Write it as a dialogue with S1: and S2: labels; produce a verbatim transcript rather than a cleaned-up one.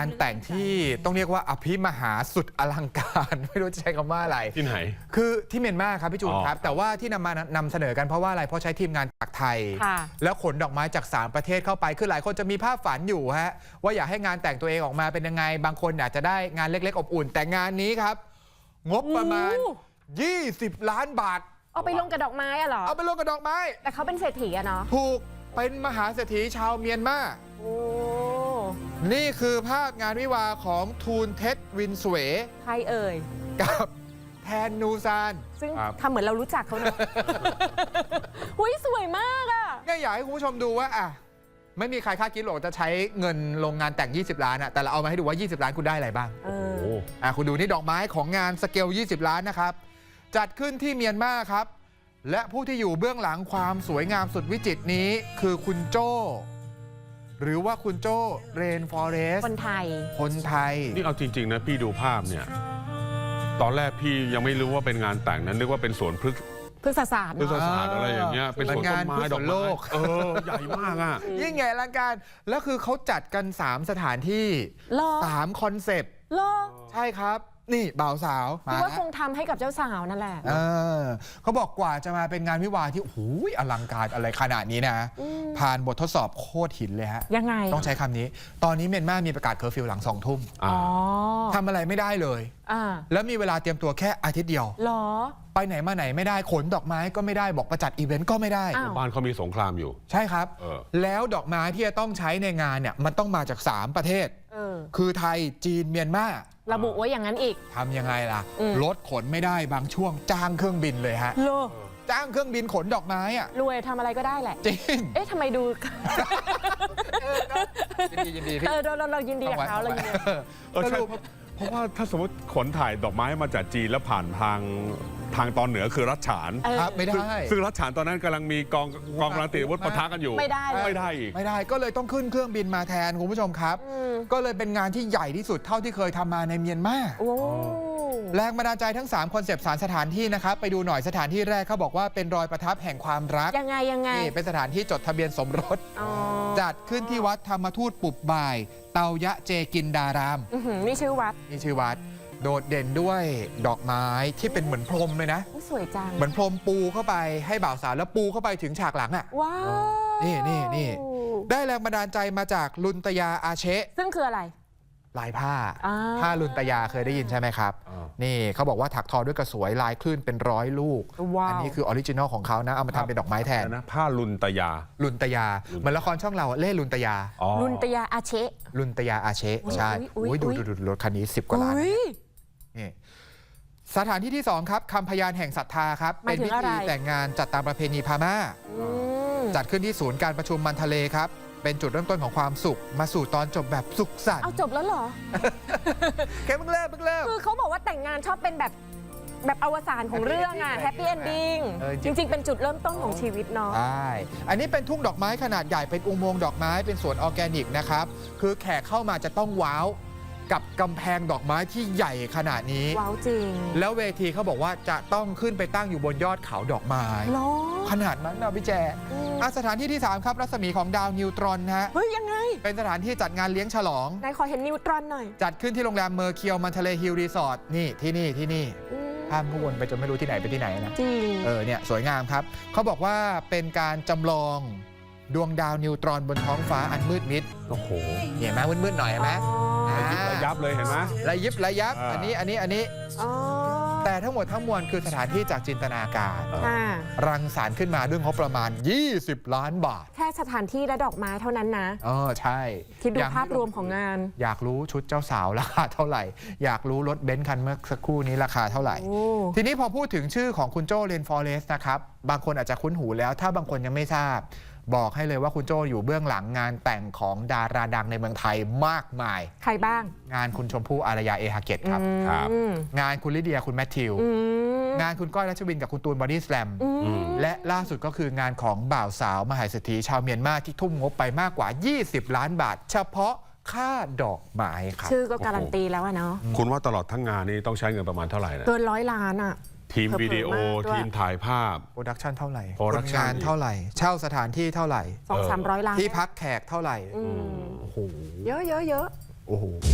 S1: านแต่งที่ต้องเรียกว่าอภิมหาสุดอลังการไม่รู้จะใช้คำว่าอะไร
S2: ที่ไหน
S1: คือที่เมียนมาครับพี่จูนครับแต่ว่าที่นำมานำเสนอกันเพราะว่าอะไรเพราะใช้ทีมงานจากไทยแล้วขนดอกไม้จากสามประเทศเข้าไปคือหลายคนจะมีภาพฝันอยู่ฮะว่าอยากให้งานแต่งตัวเองออกมาเป็นยังไงบางคนอาจจะได้งานเล็กๆอบอุ่นแต่งานนี้ครับงบประมาณยี่สิบล้านบาท
S3: เอาไปลงกับดอกไม้อะเหรอ
S1: เอาไปลงกับดอกไม้
S3: แต่เขาเป็นเศรษฐีอะเนาะ
S1: ถูกเป็นมหาเศรษฐีชาวเมียนมา
S3: โอ้
S1: นี่คือภาพงานวิวาของทูนเท็ดวินสเว
S3: ใครเอ่ย
S1: กับแทนนูซาน
S3: ซึ่งทำเหมือนเรารู้จักเขาเนอะหุ้ยสวยมากอะ
S1: เนี่ยอยากให้คุณผู้ชมดูว่าอ่ะไม่มีใครคาดคิดหรอกจะใช้เงินลงงานแต่งยี่สิบล้านอะแต่เราเอามาให้ดูว่ายี่สิบล้านคุณได้อะไรบ้าง
S3: โอ้
S1: อ่ะคุณดูนี่ดอกไม้ของงานสเกลยี่สิบล้านนะครับจัดขึ้นที่เมียนมาครับและผู้ที่อยู่เบื้องหลังความสวยงามสุดวิจิตรนี้คือคุณโจ้หรือว่าคุณโจ้เรนฟอเรส
S3: คนไทย
S1: คนไทย
S2: นี่เอาจริงๆนะพี่ดูภาพเนี่ยตอนแรกพี่ยังไม่รู้ว่าเป็นงานแต่งนั้นนึกว่าเป็นสวนพฤกษ์
S3: พฤกษศาสตร์
S2: พฤกษศาสตร์อะไรอย่างเงี้ยเป็นสวนต้นไม้ดอกไม้เออใหญ่มากอ่ะ
S1: ยิ่งใหญ่อลังการแล้วคือเขาจัดกันสามสถานที่สามคอนเซปต์ใช่ครับนี่บ่าวสาว
S3: คิดว่าคงทำให้กับเจ้าสาวนั่นแหละ
S1: เออเขาบอกกว่าจะมาเป็นงานวิวาที่โอ้โหอลังการอะไรขนาดนี้นะผ่านบททดสอบโคตรหินเลยฮะ
S3: ยังไง
S1: ต้องใช้คำนี้ตอนนี้เมียนมามีประกาศเคอร์ฟิวหลังสองทุ่มทำอะไรไม่ได้เลยแล้วมีเวลาเตรียมตัวแค่อาทิตย์เดียว
S3: หรอ
S1: ไปไหนมาไหนไม่ได้ขนดอกไม้ก็ไม่ได้บอกประจัดอีเวนต์ก็ไม่ได้
S2: บ้านเขามีสงครามอยู่
S1: ใช่ครับแล้วดอกไม้ที่จะต้องใช้ในงานเนี่ยมันต้องมาจากสามประเทศคือไทยจีนเมียนมา
S3: ระบุไว้อย่างนั้นอีก
S1: ทำยังไงล่ะรถขนไม่ได้บางช่วงจ้างเครื่องบินเลยฮะจ้างเครื่องบินขนดอกไม้อะ
S3: รวยทำอะไรก็ได้แหละ
S1: จริง
S3: เอ๊ะทำไมดู
S1: ยินดียินดี
S3: เออเราเรายินดีกับเขาเรายินดี
S2: เออใช่เพราะว่าถ้าสมมติขนถ่ายดอกไม้มาจากจีนแล้วผ่านทางทางตอนเหนือคือรัชฉาน
S1: ครับไม่ได้
S2: ซึ่งรัชฉานตอนนั้นกำลังมีกองกองกำลังติดอาวุธปะทะกันอยู่
S3: ไม่ได้
S2: ไม่ได้อีก
S1: ไม่ได้ก็เลยต้องขึ้นเครื่องบินมาแทนคุณผู้ชมครับก็เลยเป็นงานที่ใหญ่ที่สุดเท่าที่เคยทำมาในเมียนมาแรงบันดาลใจทั้งสามคอนเซปต์สารสถานที่นะครับไปดูหน่อยสถานที่แรกเขาบอกว่าเป็นรอยประทับแห่งความรัก
S3: ยังไงยังไง
S1: นี่เป็นสถานที่จดทะเบียนสมรสจัดขึ้นที่วัดธรรมทูตปุบบ่ายเตายะเจกินดาราม
S3: นี่ชื่อวัด
S1: นี่ชื่อวัดโดดเด่นด้วยดอกไม้ที่เป็นเหมือนพรมเลยนะ
S3: สวยจัง
S1: เหมือนพรมปูเข้าไปให้บ่าวสาวแล้วปูเข้าไปถึงฉากหลังอ่ะ
S3: ว้าว
S1: นี่นี่นี่ได้แรงบันดาลใจมาจากลุนตยาอาเชะ
S3: ซึ่งคืออะไร
S1: ลายผ้าผ้าลุนตยาเคยได้ยินใช่ไหมครับนี่เขาบอกว่าถักทอด้วยกระสวยลายคลื่นเป็นร้อยลูกอันนี้คือออริจินอลของเขานะเอามาทำเป็นดอกไม้แทน
S2: นะผ้าลุนตยา
S1: ลุนตยาเหมือนละครช่องเราเล่ลุนตยา
S3: ลุนตยาอาเชะ
S1: ลุนตยาอาเชะใช่ดูดูดูรถคันนี้สิบกว่าล้านนี่สถานที่ที่สองครับคำพยานแห่งศรัทธาครับเป็นพิธีแต่งงานจัดตามประเพณีพม่าจัดขึ้นที่ศูนย์การประชุมมันทะเลครับเป็นจุดเริ่มต้นของความสุขมาสู่ตอนจบแบบสุขสันต์
S3: เอาจบแล้วเหรอ
S1: แค่เพิ่งเริ่มเพิ่งเริ่ม
S3: คือเขาบอกว่าแต่งงานชอบเป็นแบบแบบอวสานของเรื่องอะแฮปปี้เอนดิ้งจริงๆเป็นจุดเริ่มต้นของชีวิตเนาะ
S1: ใช่อันนี้เป็นทุ่งดอกไม้ขนาดใหญ่เป็นอุโมงค์ดอกไม้เป็นสวนออร์แกนิกนะครับคือแขกเข้ามาจะต้องว้าวกับกำแพงดอกไม้ที่ใหญ่ขนาดนี้
S3: ว้าวจริง
S1: แล้วเวทีเขาบอกว่าจะต้องขึ้นไปตั้งอยู่บนยอดเขาดอกไม้ขนาดนั้นนะพี่แจสถานที่ที่สามครับรัศมีของดาวนิวตรอนฮะ
S3: เฮ้ยยังไง
S1: เป็นสถานที่จัดงานเลี้ยงฉลอง
S3: นายขอเห็นนิวตรอนหน่อย
S1: จัดขึ้นที่โรงแรมเมอร์เคียวมันทะเลฮิลรีสอร์ทนี่ที่นี่ที่นี่ข้ามวนไปจนไม่รู้ที่ไหนไปที่ไหนนะ
S3: จริง
S1: เออเนี่ยสวยงามครับเขาบอกว่าเป็นการจำลองดวงดาวนิวตรอนบนท้องฟ้าอันมืดมิด
S2: โอ้โห
S1: เห็นไหมมืดๆหน่อยเห็นไหม
S2: ระยิบระยับเลยเห็นไหม
S1: ระยิบระยับอันนี้อันนี้อันนี้แต่ทั้งหมดทั้งมวลคือสถานที่จากจินตนาการรังสรรค์ขึ้นมาด้วยงบประมาณยี่สิบล้านบาท
S3: แค่สถานที่และดอกไม้เท่านั้นนะ
S1: อ๋อใช่
S3: คิดดูภาพรวมของงาน
S1: อยากรู้ชุดเจ้าสาวราคาเท่าไหร่อยากรู้รถเบนซ์คันเมื่อสักครู่นี้ราคาเท่าไหร่ทีนี้พอพูดถึงชื่อของคุณโจ้เรนฟอเรสนะครับบางคนอาจจะคุ้นหูแล้วถ้าบางคนยังไม่ทราบบอกให้เลยว่าคุณโจ้อยู่เบื้องหลังงานแต่งของดาราดังในเมืองไทยมากมาย
S3: ใครบ้าง
S1: งานคุณชมพู่อารยาเอฮาเกตครับงานคุณลิเดียคุณแมทธิวงานคุณก้อยรัชวินกับคุณตูนบอดี้สแลมและล่าสุดก็คืองานของบ่าวสาวมหาเศรษฐีชาวเมียนมาที่ทุ่มงบไปมากกว่ายี่สิบล้านบาทเฉพาะค่าดอกไม้ครับ
S3: ชื่อก็การันตีแล้วเนาะ
S2: คุณว่าตลอดทั้งงานนี้ต้องใช้เงินประมาณเท่าไหร่นะ
S3: เกินร้อยล้านอ่ะ
S2: ทีมวิดีโอทีมถ่ายภาพ
S1: โปรดักชันเท่าไหร่
S2: โปรดักชั
S1: นเท่าไหร่เช่าสถานที่เท่าไหร่
S3: สองสามร้อยล้าน
S1: ที่พักแขกเท่าไหร่
S3: โอ้โหเยอะเยอะเยอะ
S1: โอ้โห